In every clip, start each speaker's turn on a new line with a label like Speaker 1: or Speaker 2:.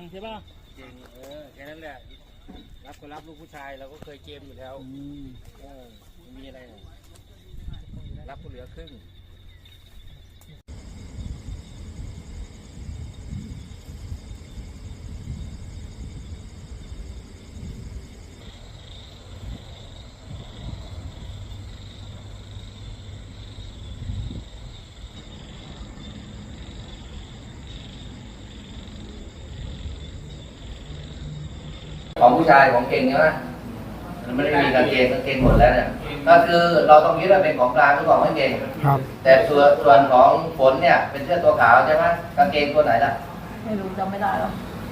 Speaker 1: ใช่ป่ะ
Speaker 2: เก่งแค่นั้นแหละรับก็รับลูกผู้ชายเราก็เคยเกมอยู่แล้วไม่มีอะไรนะรับก็เหลือครึ่ง
Speaker 3: ของผู้ชายของเก่งใช่ไหมมันไม่ได้มีกางเกงหมดแล้วเนี่ยก็คือเราต้องยึดว่าเป็นของกลางหรือของไม่เก่งครับแต่ส่วนของฝนเนี่ยเป็นเสื้อตัวขาวใช่ไหมกางเกงตัวไหนล่ะ
Speaker 4: ไม่รู้จำไม่ได้หรอก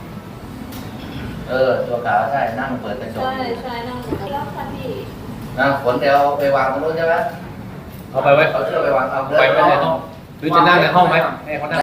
Speaker 3: ตัวขาวใช่นั่งเปิดกระจก
Speaker 4: ใช่นั่งแล้วค่ะพี่
Speaker 3: ฝนเดี๋ยวไปวางตรงนู้นใช่ไหม
Speaker 5: เอาไปไว้
Speaker 3: เอาเสื้อไปวางเอา
Speaker 5: ไปไว้ในห้องหรือจะนั่งในห้องไหมให้เขานั่ง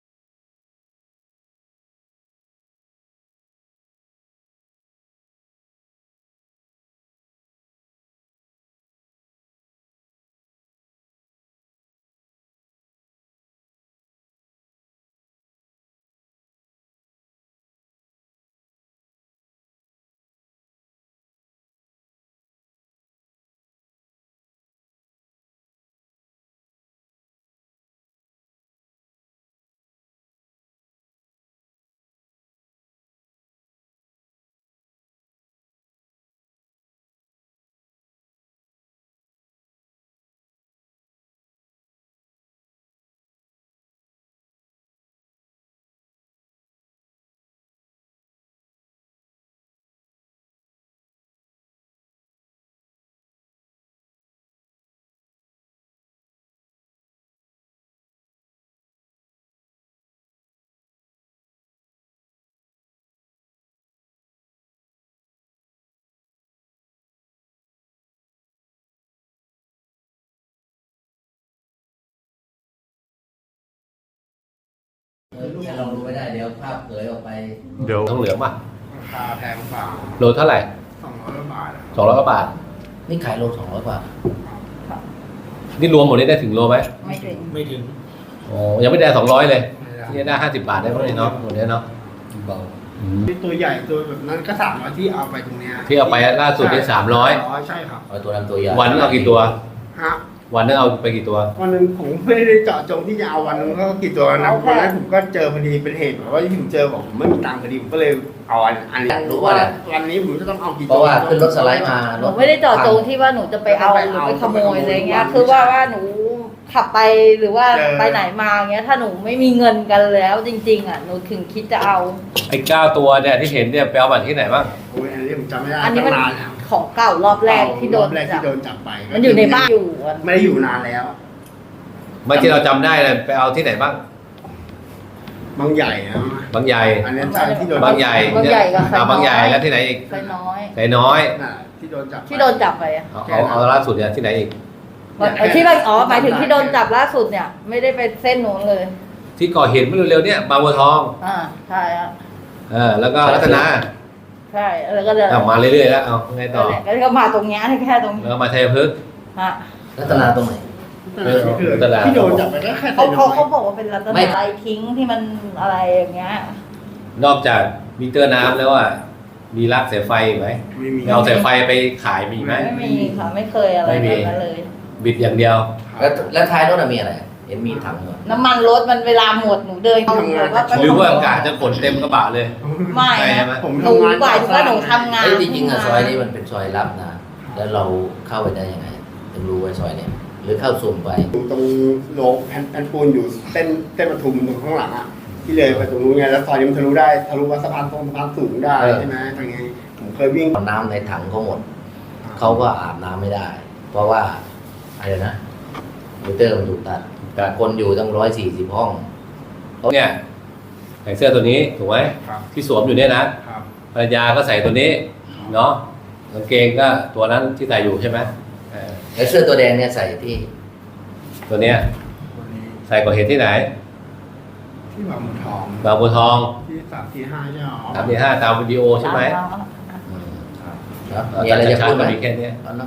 Speaker 3: เราดูไม่ได้เดี๋ยวภาพเผยออกไป
Speaker 5: เดี๋ยวทองเหลืองป่ะ
Speaker 2: ราคาแพงกว่า
Speaker 5: โลเท่าไหร่
Speaker 2: 200 บาท
Speaker 5: 200 กว่าบาท
Speaker 3: นี่ขายโล200 บาท
Speaker 5: นี่รวมหมดนี้ได้ถึงโลไหม
Speaker 4: ไม่ถึง
Speaker 5: โอ้ยังไม่ได้200เลยที่ได้50 บาทได้เพราะนี่เนาะหมดนี้เนาะเบา
Speaker 2: ตัวใหญ่ตัวแบบนั้นก็300ที่เอาไปตรงนี้
Speaker 5: ที่เอาไปล่าสุดได้
Speaker 2: 300ใช่ครับ
Speaker 3: เอาตัวนั้นตัวใหญ่
Speaker 5: วันนึงเอากี่ตัว
Speaker 2: ฮะ
Speaker 5: วันนึงเอาไปกี่ตัว
Speaker 2: วันนึงผมไม่ได้เจาะจงที่จะเอาวันนึงก็กี่ตัวนะวันนั้นผมก็เจอพอดีเป็นเหตุแบบว่าที่ผมเจอบอกผมไม่มีตังค์พอดีผมก็เลยเอาอันนี้
Speaker 3: รู้ว่า
Speaker 2: วันนี้ผมจะต้องเอากี่ตัว
Speaker 3: เพราะว่าขึ้นรถสไลด์มา
Speaker 4: หนูไม่ได้เจาะจงที่ว่าหนูจะไปเอาหรือไปขโมยอะไรเงี้ยคือว่าหนูขับไปหรือว่าไปไหนมาเงี้ยถ้าหนูไม่มีเงินกันแล้วจริงๆอ่ะหนูถึงคิดจะเอา
Speaker 5: ไอ้9 ตัวเนี่ยที่เห็นเนี่ยไปเอาบัตรที่ไหนบ้าง
Speaker 2: โอ้ยอันนี้ผมจำไม่ได้
Speaker 4: อันนี้มันของเก่ารอบแรกที่โดน
Speaker 2: จับไป
Speaker 4: มันอยู่ในบ้านอยู่
Speaker 2: ไม่ได้อยู่นานแล้ว
Speaker 5: ไม่ที่เราจำได้เลยไปเอาที่ไหนบ้าง
Speaker 2: บางใหญ่นะ
Speaker 5: บางใหญ่
Speaker 2: อันนี้ใช่ที่โดน
Speaker 5: บางใหญ่
Speaker 4: กั
Speaker 5: บบางใหญ่แล้วที่ไหนอีก
Speaker 4: ไซน้อย
Speaker 2: ที่โด
Speaker 4: นจับไป
Speaker 5: เอาล่าสุดเนี่ยที่ไหนอีก
Speaker 4: ที่หมายถึงที่โดนจับล่าสุดเนี่ยไม่ได้ไปเส้นนู้นเลย
Speaker 5: ที่ก่อเหตุเมื่อเร็วๆเนี่ยบางบัวทอง
Speaker 4: ใช่ครับ
Speaker 5: แล้วก็รัตนา
Speaker 4: ใช่แล้วก็จะ
Speaker 5: มาเรื่อยๆแล้วเอาไงต่อ
Speaker 4: แล้วก็มาตรงนี้แค่ตรงนี้
Speaker 5: แล้วมาชัยพฤกษ์
Speaker 3: รัตนาตรงไหน
Speaker 2: ที่โดนจับไปก็แค่
Speaker 4: เขาบอกว่าเป็นรัตนาไรทิ้งที่มันอะไรอย่างเงี้ย
Speaker 5: นอกจากมิเตอร์น้ำแล้วอ่ะมีลักสายไฟไหมเอาสายไฟไปขายมีไหม
Speaker 4: ไม่มีค่ะไม่เคยอะไรแบบนั้นเลย
Speaker 5: บิดอย่างเดียว
Speaker 3: แล้วท้ายรถมีอะไรเห็นมีถัง
Speaker 4: น้ำมันรถมันเวลาหมดหนูเดิน
Speaker 5: หรือว่าอากาศจะขนเต็มกระบะเลย
Speaker 4: ไม่หนูบ่ายว่าหนูทำงาน
Speaker 3: จริงๆซอยนี้มันเป็นซอยลับนะแล้วเราเข้าไปได้ยังไงถึงรู้ว่าซอยเนี่ยหรือเข้าสุ่มไป
Speaker 2: ตรงโรงแผ่นปูนอยู่เส้นปทุมตรงข้างหลังอ่ะที่เลยไปตรงนู้นไงแล้วซอยนี้มันทะลุว่าสะพานสูงได้ใช่ไหมตรงนี้ผมเคยวิ่ง
Speaker 3: น้ำในถังเขาหมดเขาก็อาบน้ำไม่ได้เพราะว่าอะไรนะมิเตอร์มันถูกตัดคนอยู่ตั้ง140 ห้อง
Speaker 5: เนี่ยใส่เสื้อตัวนี้ถูกไหมที่สวมอยู่เนี่ยนะภรรยาก็ใส่ตัวนี้เนาะกางเกงก็ตัวนั้นที่ใส่อยู่ใช่ไหม
Speaker 3: แล้วเสื้อตัวแดงเนี่ยใส่ที่
Speaker 5: ตัวเนี้ยใส่ก่อเหตุที่ไหน
Speaker 2: ที่บางบัวทองที่3-4-5ใช่ไหม
Speaker 5: 3-4-5ตามวิดีโอใช่ไหม
Speaker 3: มีอะไรจะพูดไหม
Speaker 5: แค่นี้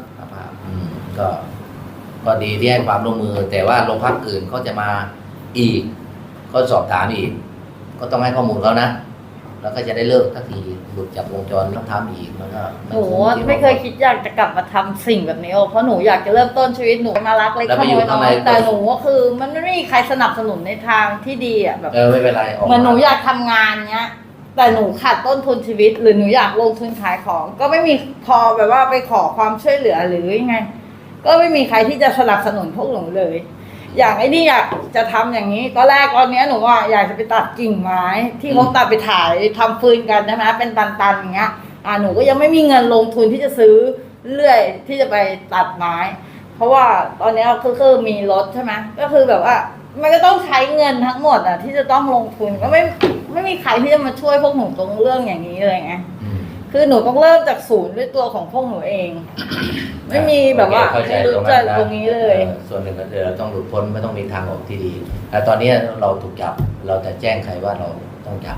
Speaker 3: ก็ดีที่ให้ความร่วมมือแต่ว่าโรงพักอื่นเขาจะมาอีกก็สอบถามอีกก็ต้องให้ข้อมูลเขานะแล้วก็จะได้เลิกทักทีหลุดจากวงจรต้องทำอีกแล้วก็
Speaker 4: หนูไม่เคยคิดอยากจะกลับมาทำสิ่งแบบนี้หรอกเพราะหนูอยากจะเริ่มต้นชีวิตหนูมารักเล็กขโมยน้อยแต่หนูก็คือมันไม่มีใครสนับสนุนในทางที่ดีอ่ะแบบ
Speaker 3: ไม่เป็นไรออก
Speaker 4: เหมือนหนูอยากทำงานเนี้ย แต่หนูขาดต้นทุนชีวิต หรือหนูอยากลงทุนขายของ ก็ไม่มีพอแบบว่าไปขอความช่วยเหลือหรือยังไง ก็ไม่มีใครที่จะสนับสนุนพวกหนูเลย อย่างไอ้นี่อยากจะทำอย่างนี้ตอนแรกตอนเนี้ยหนูว่าอยากจะไปตัดกิ่งไม้ ที่เขาตัดไปถ่ายทำฟืนกันใช่ไหมเป็นตันๆอย่างเงี้ยหนูก็ยังไม่มีเงินลงทุนที่จะซื้อเลื่อยที่จะไปตัดไม้ เพราะว่าตอนเนี้ยคือมีรถใช่ไหมก็คือแบบว่ามันก็ต้องใช้เงินทั้งหมดที่จะต้องลงทุนก็ไม่มีใครที่จะมาช่วยพวกหนูตรงเรื่องอย่างนี้เลยไงคือหนูต้องเริ่มจากศูนย์ด้วยตัวของพวกหนูเอง ไม่มีแบบว่าไม่รู้จักตรงนี้เลย
Speaker 3: ส่วนหนึ่งก็คือเราต้องหลุดพ้นไม่ต้องมีทางออกที่ดีแต่ตอนนี้เราถูกจับเราจะแจ้งใครว่าเราต้องจับ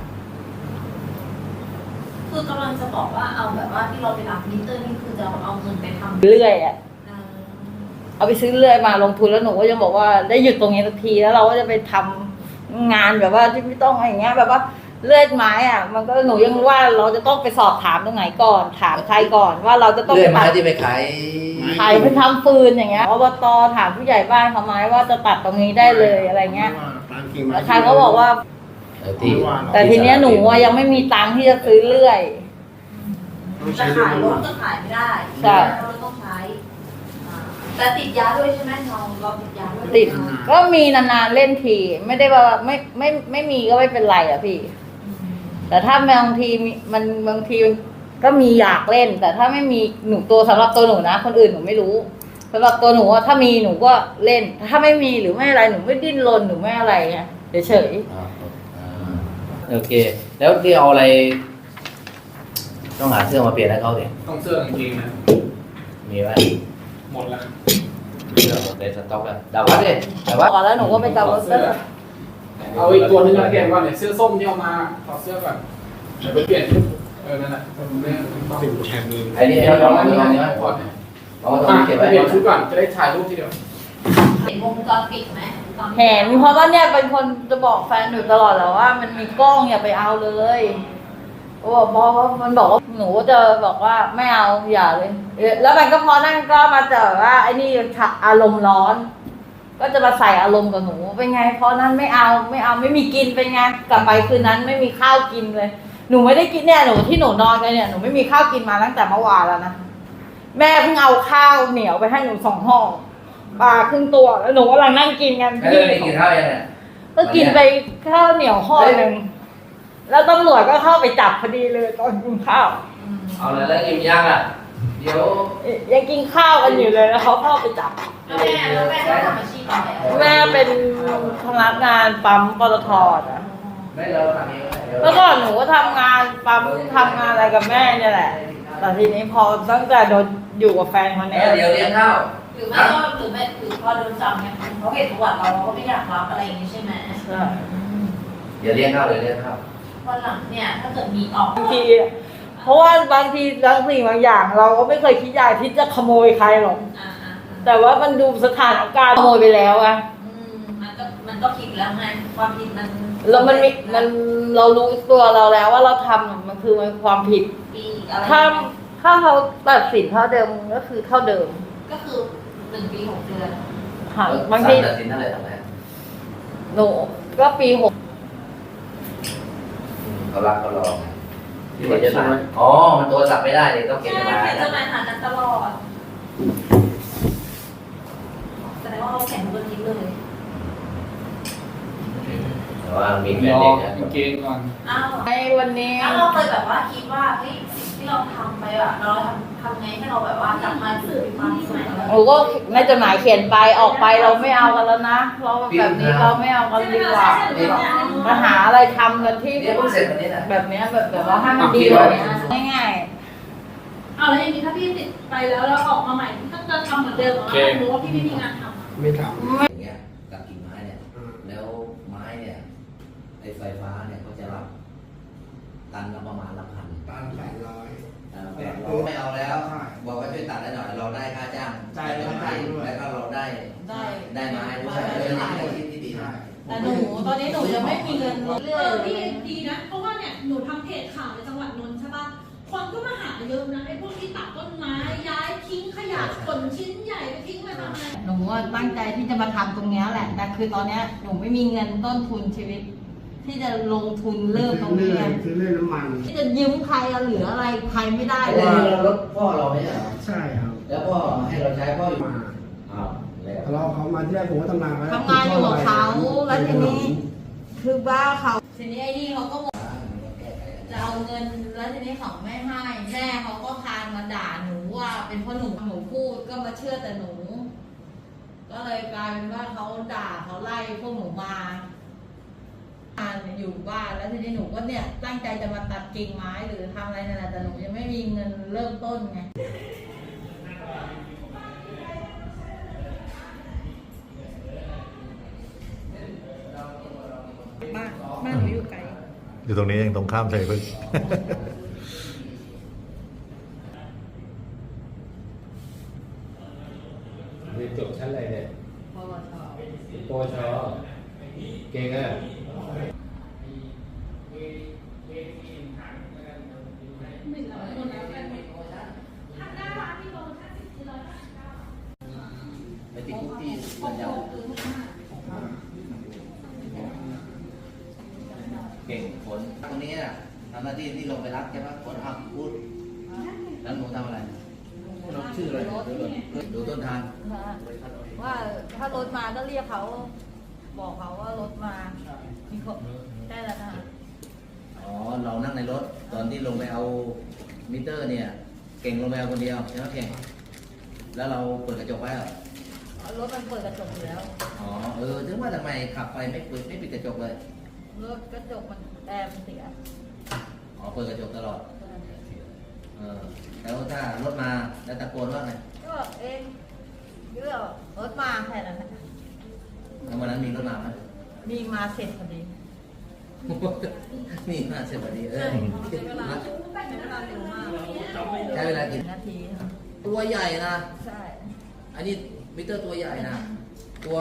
Speaker 1: คือกำลังจะบอกว่าเอาแบบว่าที่เราไปรับมิเตอร์นี่คือจะเอาเงินไปทำ
Speaker 4: เรื่อยเอาไปซื้อเรื่อยมาลงทุนแล้วหนูก็ยังบอกว่าได้หยุดตรงนี้สักทีแล้วเราก็จะไปทำงานแบบว่าที่ไม่ต้องอะไรอย่างเงี้ยแบบว่าเลื่อยไม้มันก็หนูยังว่าเราจะต้องไปสอบถามตรงไหนก่อนถามใครก่อนว่าเราจะต้อง
Speaker 3: เลื่อยไม้ที่ไปขาย
Speaker 4: ไปทำฟืนอย่างเงี้ยอบตถามผู้ใหญ่บ้านเขาไหมว่าจะตัดตรงนี้ได้เลยอะไรเงี้ยแล้วใครเขาบอกว่าแต่ทีเนี้ยหนูยังไม่มีตังค์ที่จะซื้อเลื่อย
Speaker 1: จะขายรถก็ขายไม่ได้
Speaker 4: ใช่
Speaker 1: เราต้องใช้แต่ติดยาด้วยใช่ไหมเราติดยาด้วย
Speaker 4: ติดก็มีนานๆเล่นทีไม่ได้ว่าไม่มีก็ไม่เป็นไรพี่แต่ถ้าบางทีบางทีก็มีอยากเล่น แต่ถ้าไม่มีหนูตัวสำหรับตัวหนูนะคนอื่นหนูไม่รู้สำหรับตัวหนูว่าถ้ามีหนูก็เล่น ถ้าไม่มีหรือไม่อะไรหนูไม่ดิ้นรนหนูไม่อะไรไงเฉย
Speaker 3: โอเค แล้วที่เอาอะไร ต้องหาเสื้อมาเปลี่ยนให้เขาดิ
Speaker 6: ต้องเสื้อกางเกงนะ
Speaker 3: มีไหม
Speaker 6: หมดแล้ว
Speaker 3: เสื้อหมดในสต็อกแล้วดาวัดดิดาวัด
Speaker 4: ๆก่อนแล้วหนูก็ไปกับรถ
Speaker 6: เอาอีกตัวนึงมาเปลี่ยนก่อนเนี่ยเสื้อส้มที่เอามาถอดเสื้อก่อนเดี๋ยวไปเปลี่ยนชุดนั่นแหละไม่ต้อง
Speaker 2: สิ่งแชร์มือ
Speaker 3: ไอ้นี่เอาลองนี่เอานี่
Speaker 6: ถอดเนี่ย
Speaker 3: เอาตรงนี้เก็บ
Speaker 6: ไป
Speaker 3: ไว้
Speaker 6: เปลี่ยนชุดก่อนจะได้ถ่ายรูปทีเดียว
Speaker 1: เห็นวงจรปิดไหมตอน
Speaker 4: เห็นเพราะว่าเนี่ยเป็นคนจะบอกแฟนหนูตลอดแหละว่ามันมีกล้องอย่าไปเอาเลยเพราะว่ามันบอกว่าหนูจะบอกว่าไม่เอาอย่าเลยแล้วมันก็พอนั่นก็มาเจอว่าไอ้นี่อารมณ์ร้อน ก็จะมาใส่อารมณ์กับหนูเป็นไงเพราะนั้นไม่เอาไม่มีกินเป็นไงกลับไปคืนนั้นไม่มีข้าวกินเลยหนูไม่ได้กินเนี่ยหนูที่หนูนอนกันเนี่ยหนูไม่มีข้าวกินมาตั้งแต่เมื่อวานแล้วนะแม่เพิ่งเอาข้าวเหนียวไปให้หนู2 ห่อปลาครึ่งตัวแล้วหนูกำลังนั่งกินกัน
Speaker 3: ไม่กินข้าวยังไง
Speaker 4: ก็กินไปข้าวเหนียวห่อหนึ่งแล้วตำรวจก็เข้าไปจับพอดีเลยตอนกินข้าว
Speaker 3: เอาเลยแล้วอิ่มยังอ่ะเดี๋ยว
Speaker 4: ยังกินข้าวกันอยู่เลยแล้วเขาเข้าไปจับ
Speaker 1: แล้วแม่ทำอาชีพอะไร
Speaker 4: แม่เป็นพนักงานปั๊มปตทนะ
Speaker 3: ไม่เราทำเอง
Speaker 4: เมื่อก่อนหนูก็ทำงานปั๊มทำงานอะไรกับแม่เนี่ยแหละ แต่ทีนี้พอตั้งแต่โดนอยู่กับแฟนคนนี้
Speaker 3: เดี๋ยวเลี้ยงข้าว
Speaker 1: หรือไม่ก็หรือไม่หรือพอโดนจับเนี่ยเขาเห็นประวัติเราก็ไม่อยากรับอะไรอย่างนี้ใช่ไหม
Speaker 3: เดี๋ยวเลี้ยงข้าวเดี๋ยวเลี้ยงข้าว
Speaker 1: วันหลังเนี่ยถ้าเกิดมีออก
Speaker 4: บางทีเพราะว่าบางทีบางสิ่งบางอย่าง เราก็ไม่เคยคิดอยากที่จะขโมยใครหรอก แต่ว่ามันดูสถานการณ์ขโมยไปแล้วอะ
Speaker 1: มันก็ผิดแล้วไงความผิดมัน
Speaker 4: แล้วเรารู้ตัวเราแล้วว่าเราทำมันคือมันความผิด
Speaker 1: ปีอะไร
Speaker 4: ถ้าเขาตัดสินเท่าเดิมก็คือเท่าเดิม
Speaker 1: ก็คือ1 ปี 6 เดือน
Speaker 4: ค่ะบางที
Speaker 3: ตัดสินเท่าไหร่ทำไง
Speaker 4: หนูก็ปี 6
Speaker 3: เขารักเขารอที่เขียนจดหมายอ๋อมันโทรศัพท์ไม่ได้เลยต้องเขียน
Speaker 1: ใช่
Speaker 3: จดหมาย
Speaker 1: เขียนจดหมายหากันตลอดแสดงว่าเขาแข่งทุกอาทิตย์เลย
Speaker 3: แต่ว่ามีแฟ
Speaker 6: ร
Speaker 3: น
Speaker 6: อ
Speaker 3: เด็กนะ
Speaker 6: กางเกงก่อน
Speaker 1: อ้าว
Speaker 4: ในวันนี้
Speaker 1: แล้วเราเคยแบบว่าคิดว่าเฮ้ยสิ่งที่เราทำไปอะเราทำไงให้เราแบบว่ากลับมาสู่ความสุข
Speaker 4: หนูก็ในจดหมายเขียนไปออกไปเราไม่เอากันแล้วนะเราแบบนี้เราไม่เอากันดีกว่ามาหาอะไรทำกันที่
Speaker 3: นี่เพิ่งเสร็จวันนี้นะ
Speaker 4: แบบเนี้ยแบบว่าให้มันดีกว่านี้ง่าย
Speaker 7: เอาแล้วอย่างนี้ถ้าพี่ติดไปแล้วออกมาใหม่พี่ก็จะทำเหมือนเดิมเหรอหรือว่าพี่ไม่มีงานทำ
Speaker 2: ไม่ท
Speaker 3: อย่างเงี้ยกับกิ่งไม้เนี่ย
Speaker 2: ำ
Speaker 3: แล้วไม้เนี่ยไอ้ไฟฟ้าเนี่ยเขาจะรับตันละประมาณละพัน
Speaker 2: บ้าน800
Speaker 3: 800ไม่เอาแล้ว บอกว่าช่วยตัดได้หน่อยเราได้ค่าจ้าง
Speaker 2: จ่ายค่าจ้างด้วย
Speaker 3: แล้วก็เราได้ไม้ด้วย
Speaker 1: ได้
Speaker 3: เป็นอาชีพที่ดีนะ
Speaker 4: แต่หนูตอนนี้หนูยังไม่มีเงินเรื่อย
Speaker 7: พี่ดีนะ เพราะว่าเนี่ยหนูทำเพจข่าวในจังหวัดนนท์ใช่ปะคนก็มาหาเยอะนะไอ้พวกที่ตัดต้นไม้ย้ายทิ้งขยะขนชิ้นใหญ่ไปทิ้งไปทำอะไร
Speaker 4: หนูตั้งใจที่จะมาทำตรงเนี้ยแหละแต่คือตอนเนี้ยหนูไม่มีเงินต้นทุนชีวิต ที่จะลงทุนเริ่มตรงนี้
Speaker 2: ซื้อเรื่อยน้ำมัน
Speaker 4: ที่จะยืมใครเหลืออะไรใครไม่ได้
Speaker 3: แต่
Speaker 4: เลย
Speaker 3: เรารถพ่อเราไม่ใช่เหรอ
Speaker 2: ใช่ครับ
Speaker 3: แล้วพ่อให้เราใช้พ่ออยู่
Speaker 2: มา
Speaker 3: อ้าวแล้ว
Speaker 2: ทะเลาะเขามาที่แรกผมก็ทำงานไว้
Speaker 4: ทำงานอยู่กับเขาแล้วทีนี้ คือบ้าเขาทีนี้ไอ้นี่เขาก็บอกจะเอาเงินแล้วทีนี้เขาไม่ให้แม่เขาก็พานมาด่าหนูว่าเป็นเพราะหนูพูดก็มาเชื่อแต่หนู ก็เลยกลายเป็นว่าเขาด่าเขาไล่พวกหนูมาอยู่บ้านแล้วทีนี้หนูก็เนี่ยตั้งใจจะมาตัดกิ่งไม้หรือทำอะไรนั่นแหละแต่หนูยังไม่มีเงินเริ่มต้นไงบ้านหนูอยู่ไกล
Speaker 8: อยู่ตรงนี้ยังตรงข้ามชัยพฤกษ์
Speaker 5: เรียนจบชั้นอะไรเนี่ย
Speaker 4: ปวช
Speaker 5: ปวชเก่งอ่ะ
Speaker 3: ไปติดคุกที่มันยาวเก่งผลตรงนี้น่ะทำหน้าที่ที่ลงไปรับใช่ปะผลพูดแล้วหนูทำอะไรเราชื่ออะไรดูต้นทาง
Speaker 4: ว่าถ้ารถมาก็เรียกเขาบอกเขาว่ารถมามีคนได้แล้วนะคะ
Speaker 3: อ๋อเรานั่งในรถตอนที่ลงไปเอามิเตอร์เนี่ย เก่งลงไปเอาคนเดียวใช่ไหมเก่งแล้วเราเปิดกระจกไว้เหรอ
Speaker 4: รถมันเปิดกระจกอยู่แล้ว
Speaker 3: อ๋อถึงว่าทำไมขับไปไม่ปิดกระจกเลย
Speaker 4: รถกระจกมันแอร์มันเสีย
Speaker 3: อ๋อเปิดกระจกตลอดแล้วถ้ารถมาแล้วตะโกนว่าไง
Speaker 4: ก็เองเรื่องรถมาแค่นั้นนะ
Speaker 3: แล้ววันนั้นมีรถมาไหม
Speaker 4: มีมาเสร็จพอดี
Speaker 3: นี่มาเสร็จพอดี
Speaker 4: ใช้เวลาเร็วมาก
Speaker 3: ใช้เวลากี่
Speaker 4: นาที
Speaker 3: ตัวใหญ่นะ
Speaker 4: ใช่
Speaker 3: อันนี้มิเตอร์ตัวใหญ่นะ ตัว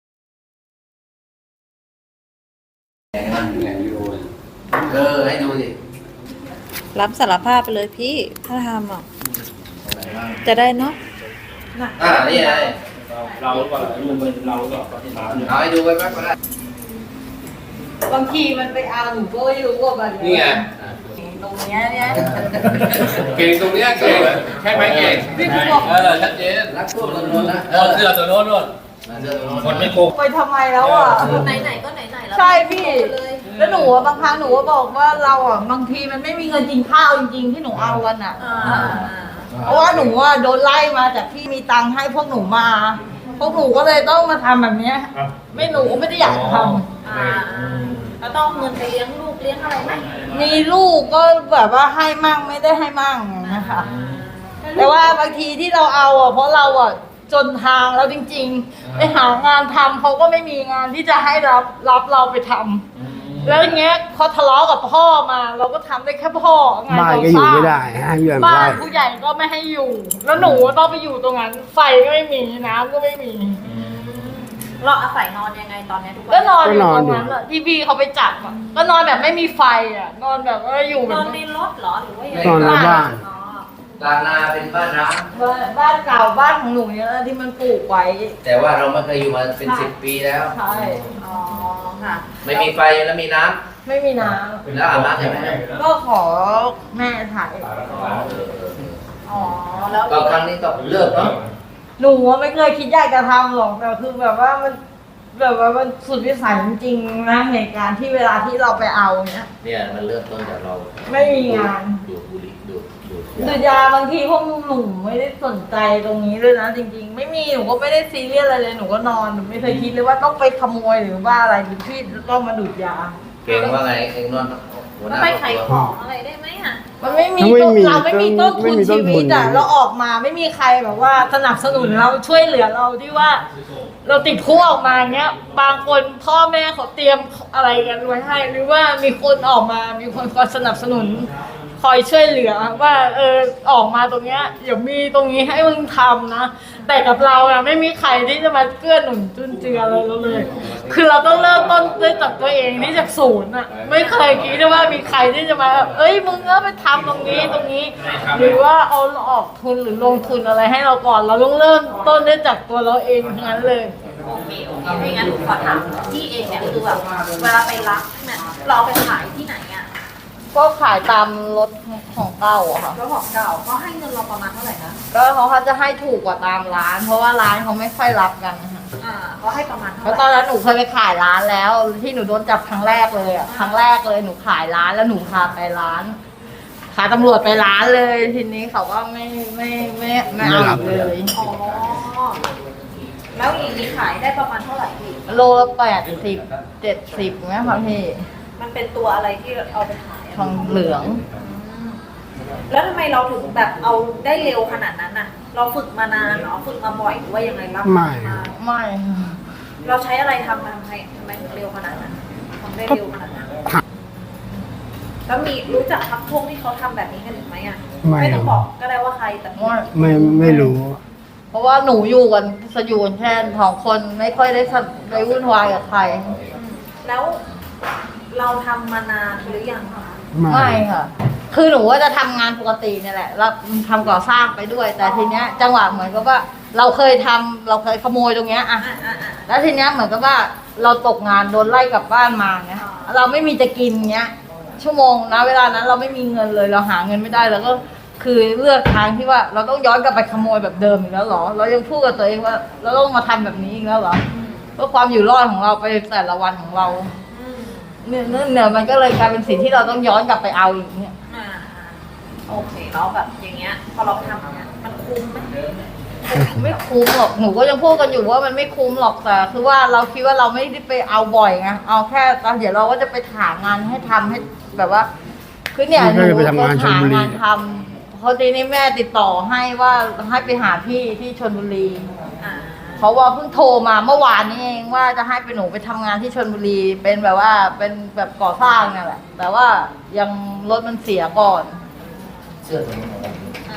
Speaker 3: ให้ดูสิ
Speaker 9: รับสารภาพไปเลยพี่ ถ้าทำอ่ะ จะได้เนาะ
Speaker 3: นี่ไง
Speaker 6: เราก็รูปเป็นเราก็ปฏิบัติ
Speaker 3: เอาให้ดูไว้แป๊บก็ได้
Speaker 4: บางทีมันไปเอาหนูก็ไม่รู้ว่าแบบ
Speaker 5: นี่ไง
Speaker 4: ตรงเนี้ยเนี่ย
Speaker 5: เก่งตรงเนี้ยเก่งใช่ไหมเก่ง
Speaker 4: พี่ผู้บอก
Speaker 5: ชัดเจน
Speaker 3: รักพวกตัวโน้นนะ
Speaker 5: เสื้อตัวโน้นนู่น
Speaker 3: เสื้อตัวโน้น
Speaker 5: คนไม่โกง
Speaker 4: ไปทำไมแล้วอ่ะ
Speaker 1: ไหนๆก็ไหนๆแล้ว
Speaker 4: ใช่พี่ แล้วหนูอะบางครั้งหนูก็บอกว่าเราอ่ะบางทีมันไม่มีเงินกินข้าวจริงๆที่หนูเอากันอ่ะ เพราะว่าหนูอ่ะโดนไล่มาจากที่มีตังค์ให้พวกหนูมา พวกหนูก็เลยต้องมาทำแบบเนี้ยไม่หนูก็ไม่ได้อยากทำ
Speaker 1: แล้วต้องเงินไปเลี้ยงลูกเลี้ยงอะไรไหม
Speaker 4: มีลูกก็แบบว่าให้มั่งไม่ได้ให้มั่งนะคะ แต่ว่าบางทีที่เราเอาอ่ะเพราะเราอ่ะจนทางแล้วจริงๆไปหางานทำเขาก็ไม่มีงานที่จะให้รับเราไปทำแล้วอย่างเงี้ยพอทะเลาะกับพ่อมาเราก็ทำได้แค่พ่องาน
Speaker 2: บ้าน
Speaker 4: ก่อ
Speaker 2: ก็อยู่
Speaker 4: สร้าง
Speaker 2: ไม่ได้ให้เพื่อน
Speaker 4: บ้า
Speaker 2: ไล่
Speaker 4: นผู้ใหญ่ก็ไม่ให้อยู่ แล้วหนูต้องไปอยู่ตรงนั้นไฟก็ไม่มีน้ำก็ไม่มี
Speaker 1: เราอาศัยนอนยังไงตอนนี้ทุกวัน
Speaker 4: ก็นอนอยู่ตรงนั้นแหละที่พี่เขาไปจับอ่ะก็นอนแบบไม่มีไฟอ่ะนอนแบบว่าอยู่แบ
Speaker 1: น
Speaker 4: บ
Speaker 1: อนในรถเหรอหรือว่ายังไง
Speaker 2: ตอนในบ้าน
Speaker 1: อ๋อก
Speaker 3: ลางนาเป็นบ้านร้าง
Speaker 4: บ้านเก่าบ้านของหนูเนี่ยที่มันปลูกไว้
Speaker 3: แต่ว่าเราไม่เคยอยู่มาเป็น10 ปีแล้ว
Speaker 4: ใช่
Speaker 1: อ๋อค่ะ
Speaker 3: ไม่มีไฟแล้วมีน้ำ
Speaker 4: ไม่มีน้
Speaker 3: แล้วอาบน้ำยังไง
Speaker 4: ำก็ขอแม่ถ่าย
Speaker 1: อ๋อแล้ว
Speaker 3: ก็ครั้งนี้ก็เลิกเนาะ
Speaker 4: หนูว่าไม่เคยคิดอยากจะทำหรอกแต่คือแบบว่ามันแบบว่ามันสุดวิสัยจริงๆนะเหตุการณ์ที่เวลาที่เราไปเอาเนี้ย
Speaker 3: เนี่ยมันเริ่มต้นจากเรา
Speaker 4: ไม่มีงาน
Speaker 3: ดูดบุหรี่ดูด
Speaker 4: ดูดยาบางทีพวกหนูไม่ได้สนใจตรงนี้ด้วยนะจริงๆ ไม่มีหนูก็ไม่ได้ซีเรียสอะไรเลยหนูก็นอนหนูไม่เคยคิดเลยว่าต้องไปขโมยหรือว่าอะไรหรือที่ต้องมาดูดยา
Speaker 3: เก่งว่าไงเองนอนหัวหน้า
Speaker 1: ไป
Speaker 3: ครอบ
Speaker 1: ขาย
Speaker 3: ค
Speaker 1: ข
Speaker 3: รัว
Speaker 1: องอะไรได้ไหมอ่ะ
Speaker 4: มันไม่มี
Speaker 2: ไม่มี
Speaker 4: เราไม่มีต้นทุน
Speaker 2: ไม่มีต้น
Speaker 4: ชี
Speaker 2: ทุน
Speaker 4: วิตอ่ะเราออกมาไม่มีใครแบบว่าสนับสนุนเราช่วยเหลือเราที่ว่า เราติดคุกออกมาเงี้ยบางคนพ่อแม่เขาเตรียมอะไรกันไว้ให้หรือว่ามีคนออกมามีคนคอยสนับสนุนคอยช่วยเหลือว่าออกมาตรงเนี้ยเดี๋ยวมีตรงนี้ให้มึงทำนะแต่กับเราอะไม่มีใครที่จะมาเกื้อหนุนจุนเจืออะไรเราเลย คือเราต้องเริ่มต้นด้วยจากตัวเองที่จากศูนย์อะไม่เคยคิดว่ามีใครที่จะมาแบบมึงก็ไปทำตรงนี้ตรงนี้ หรือว่าเอาออกทุนหรือลงทุนอะไรให้เราก่อนเราต้องเริ่มต้นด้วยจากตัวเราเองทั้งนั้นเลย
Speaker 1: โอเคไม่งั้นหนูขอถามที่เองเนี่ยคือแบบเวลาไปรับเนี่ยเราเอาไปขายที่ไหนอ่ะ
Speaker 4: ก็ขายตามรถของเก่าอะค่ะ
Speaker 1: แล้วของเก่าเขาให้เงินเราประมาณเท่าไหร่นะ
Speaker 4: ก็เขาจะให้ถูกกว่าตามร้าน เพราะว่าร้านเขาไม่ค่อยรับกันนะคะ
Speaker 1: เขาให้ประมาณเท่า
Speaker 4: เพราะ
Speaker 1: ไห
Speaker 4: ตอน
Speaker 1: ร่
Speaker 4: นั้นหนูเคยไปขายร้านแล้ว ที่หนูโดนจับครั้งแรกเลยอะครั้งแรกเลยหนูขายร้านแล้วหนูพาไปร้านพาตำรวจไปร้านเลยทีนี้เขาก็ไม่เอาอีกเลย
Speaker 1: อ๋อแล้วอย่างนี้ขายได้ประมาณเท่าไหร่พี่
Speaker 4: โลละ80-70เนี่ยค่ะพี่
Speaker 1: มันเป็นตัวอะไรที่เอาไปขาย
Speaker 4: ทองเหลือง
Speaker 1: แล้วทำไมเราถึงแบบเอาได้เร็วขนาดนั้นน่ะ เราฝึกมานานเหรอฝึกมาบ่อยหรือว่ายังไงรับ
Speaker 2: ไม่
Speaker 4: ไม่ค่ะ
Speaker 1: เราใช้อะไรทำทำไมถึงเร็วขนาดนั้นทำได้เร็วขนาดนั้น แล้วมีรู้จักพักพวกที่เขาทำแบบนี้กันหรือไม่อ่ะ ไม่ต้องบอกก็ได้ว่าใครแต่มี
Speaker 2: ไม่รู้
Speaker 4: เพราะว่าหนูอยู่กันแค่2 คนไม่ค่อยได้ไปวุ่นวายกับใคร
Speaker 1: แล้วเราทำมานานหรือยังคะ
Speaker 4: ไม่ค่ะ คือหนูว่าจะทำงานปกติเนี่ยแหละแล้วทำก่อสร้างไปด้วย แต่ทีเนี้ยจังหวะเหมือนกับว่า เราเคยขโมยตรงเนี้ยอะแล้วทีเนี้ยเหมือนกับว่าเราตกงานโดนไล่กลับบ้านมาเนี้ยเราไม่มีจะกินเนี้ย ชั่วโมงนะเวลานั้นเราไม่มีเงินเลยเราหาเงินไม่ได้แล้วก็คือเลือกทางที่ว่าเราต้องย้อนกลับไปขโมยแบบเดิมอีกแล้วเหรอ เรายังพูดกับตัวเองว่า เราต้องมาทำแบบนี้อีกแล้วเหรอเพื่อความอยู่รอดของเราไปแต่ละวันของเราเนี่ยมันก็เลยกลายเป็นสิ่งที่เราต้องย้อนกลับไปเอาอีกเนี่ย
Speaker 1: โอเคแล้วแบบอย่างเงี้ยพอเราทำอย่างเงี้ยมันคุ้มไหม
Speaker 4: ไม่คุ้มหรอกหนูก็ยังพูดกันอยู่ว่ามันไม่คุ้มหรอกแต่คือว่าเราคิดว่าเราไม่ได้ไปเอาบ่อยไงเอาแค่ตอนเดี๋ยวเราก็จะไปหางานให้ทำให้แบบว่าคือเนี่ยหนูก็หางานทำเพราะทีนี้แม่ติดต่อให้ว่าให้ไปหาพี่ที่ชลบุรีเขาว่าเพิ่งโทรมาเมื่อวานนี้เองว่าจะให้ไปหนูไปทำงานที่ชลบุรีเป็นแบบว่าเป็นแบบก่อสร้างนั่นแหละแต่ว่ายังรถมันเสียก่อน
Speaker 3: เสื้อตัวนี้ของผม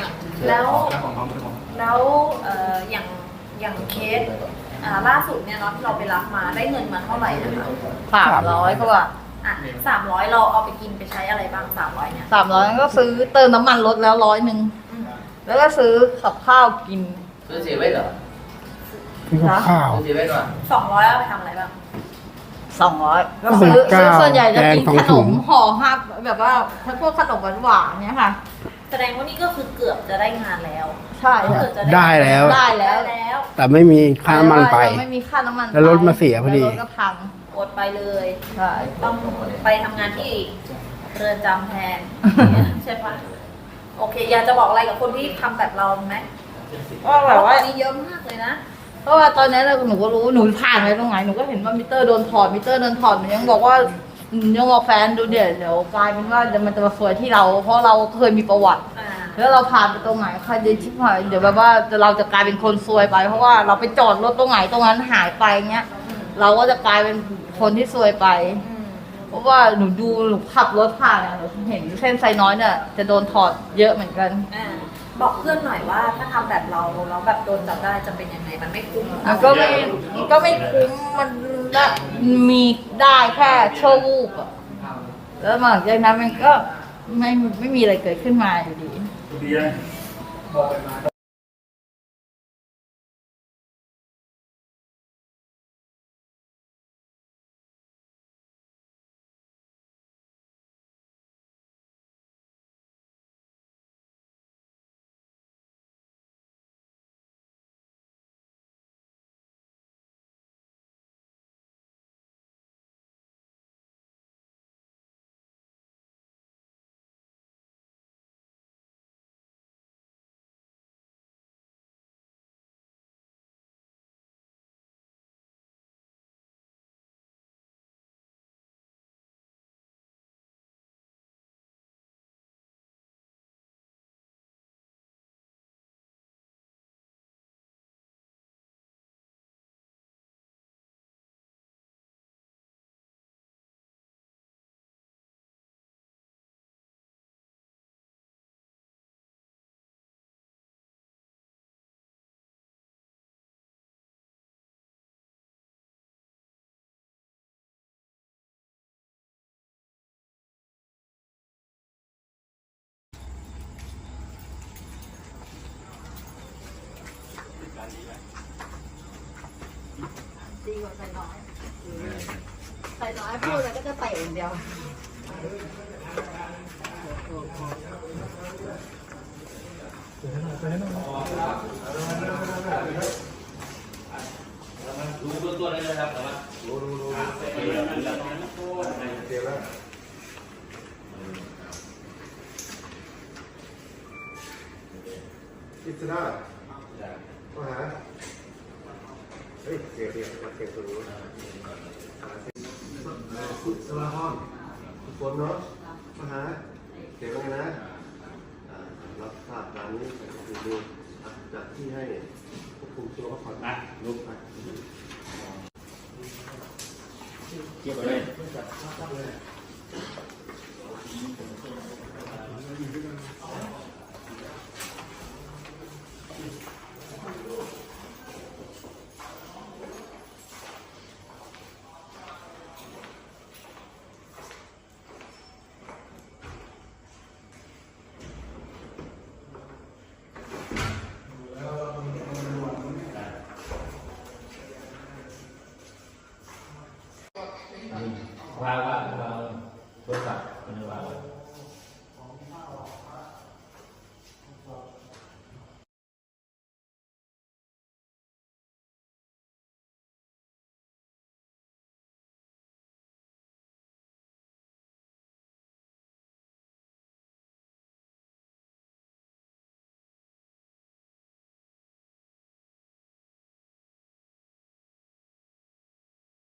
Speaker 1: แล้วอย่างเคสล่าสุดเนี่ยเนาะที่เราไปรับมาได้เงินมาเท่าไหร่นะคะ
Speaker 4: 300กว่า
Speaker 1: 300เราเอาไปกินไปใช้อะไรบ้าง300เนี่ย
Speaker 4: 300ก็ซื้อเติมน้ำมันรถแล้ว100แล้วก็ซื้อกับข้าวกิน
Speaker 3: ซื้อเซเว่นเหรอ
Speaker 2: คือกับข้าว
Speaker 3: ซื้อเซเว่นว่ะ
Speaker 1: 200เอาไปทำอะไรบ้าง
Speaker 4: 200ก็ซื้อส่วนใหญ่จะกินขนมห่อห้าแบบว่าพวกขนมหวานๆเนี่ยค่ะ
Speaker 1: แสดงว่านี่ก็คือเกือบจะได้งานแล้ว
Speaker 4: ใช่ค่ะ
Speaker 1: เกือบจะ
Speaker 2: ได้แล้ว
Speaker 4: ได้แล้ว
Speaker 2: แต่ไม่มีค่าน้ำมันไป
Speaker 4: ไม่มีค่าน้ำมัน
Speaker 2: แล้วรถมาเสียพอดี
Speaker 4: แล้วรถก็พัง
Speaker 1: อดไปเลย
Speaker 4: ใช่
Speaker 1: ต้องไปทำงานที่เรือนจำแทน ใช่ปะโอเค อยากจะบอกอะไรกับคนที่ทำแบบเราไหม
Speaker 4: ก็แบบว่า
Speaker 1: ตอนนี้เยอะมากเลยนะ
Speaker 4: เพราะว่าตอนนี้หนูก็รู้หนูผ่านไปตรงไหนหนูก็เห็นว่ามิเตอร์โดนถอดหนูยังบอกว่ายังบอกแฟนดูเดี๋ยวกลายเป็นว่าเดี๋ยวมันจะมาซวยที่เรา เพราะเราเคยมีประวัติ แล้วเราผ่านไปตรงไหนใครจะชิบหายเดี๋ยวแบบว่าเราจะกลายเป็นคนซวยไป เพราะว่าเราไปจอดรถตรงไหนตรงนั้นหายไปเงี้ย เราก็จะกลายเป็นคนที่ซวยไป เพราะว่าหนูขับรถผ่านอะหนูเห็นเส้นไซน้อยเนี่ยจะโดนถอดเยอะเหมือนกัน
Speaker 1: บอกเพื่อนหน่อยว่าถ้าทำแบบเราแล้วแบบโดนจับได้จะเป็นยังไงมันไม่คุ้ม
Speaker 4: มันก็ไม่คุ้มมันได้มีได้แค่ชั่ววูบอะแล้วหลังจากนั้นมันก็ไม่มีอะไรเกิดขึ้นมาอยู่ดีใส่น้อยใส่น้อยพูดแล้วก็จะเตะอย่างเดียว
Speaker 5: รู้เบื้องต้นได้เลยครับแต่ว่ารู้
Speaker 2: เดี๋ยวแล้วอิสระมาหาเฮ้ยเสียตัวรู้คุณสลาฮอนทุกคนเนาะมาหาเสียงไงนะรับทราบการนี้ดูจัดที่ให้ควบคุมตัวพักผ่อนนะลุกไปเกี่ยวกับอะไร